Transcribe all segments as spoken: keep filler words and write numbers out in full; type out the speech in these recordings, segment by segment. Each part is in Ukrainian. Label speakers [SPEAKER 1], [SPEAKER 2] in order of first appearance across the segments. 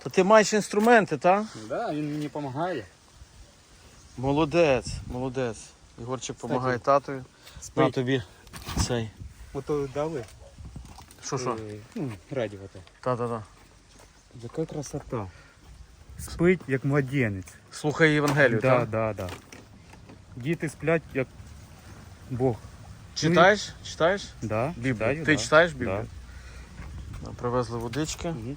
[SPEAKER 1] То ти маєш інструменти, так?
[SPEAKER 2] Да, він мені допомагає.
[SPEAKER 1] Молодець, молодець. Ігорчик допомагає татові. На тобі цей.
[SPEAKER 2] Ото дали.
[SPEAKER 1] Що що?
[SPEAKER 2] Е, Ну, радіо то.
[SPEAKER 1] Та-та-та.
[SPEAKER 2] Яка красота. Спить як младенець.
[SPEAKER 1] Слухай Євангелію,
[SPEAKER 2] Да,
[SPEAKER 1] так?
[SPEAKER 2] да, да. Діти сплять як Бог.
[SPEAKER 1] Читаєш? Читаєш?
[SPEAKER 2] Да,
[SPEAKER 1] Біблію.
[SPEAKER 2] читаю,
[SPEAKER 1] Ти
[SPEAKER 2] да.
[SPEAKER 1] читаєш Біблію? Да. Привезли водички.
[SPEAKER 2] Мгм.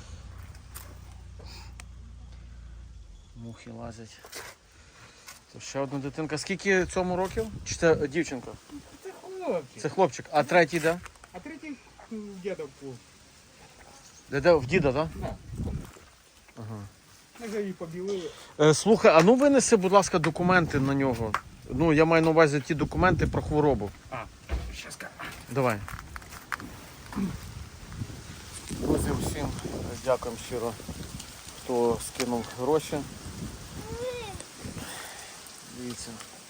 [SPEAKER 1] Мухи лазять. То ще одна дитинка. Скільки цьому років? Чи це е, дівчинка?
[SPEAKER 2] Це хлопчик.
[SPEAKER 1] Це хлопчик. А третій де?
[SPEAKER 2] А третій дідок був.
[SPEAKER 1] Де, де? В діда, так?
[SPEAKER 2] Да.
[SPEAKER 1] Ага.
[SPEAKER 2] Ми вже її побілили.
[SPEAKER 1] Е, слухай, а ну винеси, будь ласка, документи на нього. Ну, я маю на увазі ті документи про хворобу.
[SPEAKER 2] А, щас ка.
[SPEAKER 1] Давай. Друзі, всім дякуємо щиро, хто скинув гроші. Дивіться.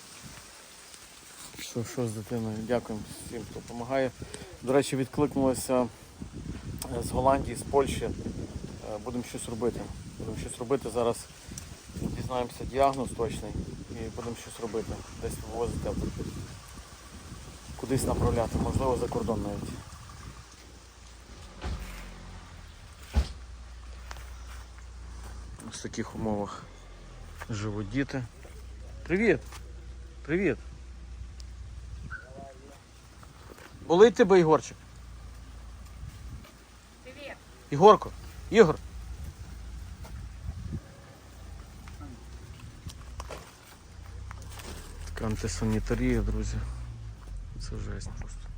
[SPEAKER 1] Що, що з дитиною? Дякуємо всім, хто допомагає. До речі, відкликнулися з Голландії, з Польщі. Е, Будемо щось робити. Будемо щось робити. Зараз дізнаємося діагноз точний і будемо щось робити. Десь вивозити, кудись направляти, можливо за кордон навіть. Ось в таких умовах живуть діти. Привіт! Привіт! Болить тебе, Ігорчик?
[SPEAKER 3] Привіт.
[SPEAKER 1] Ігорко! Ігор! Така антисанітарія, друзі. Це жесть просто.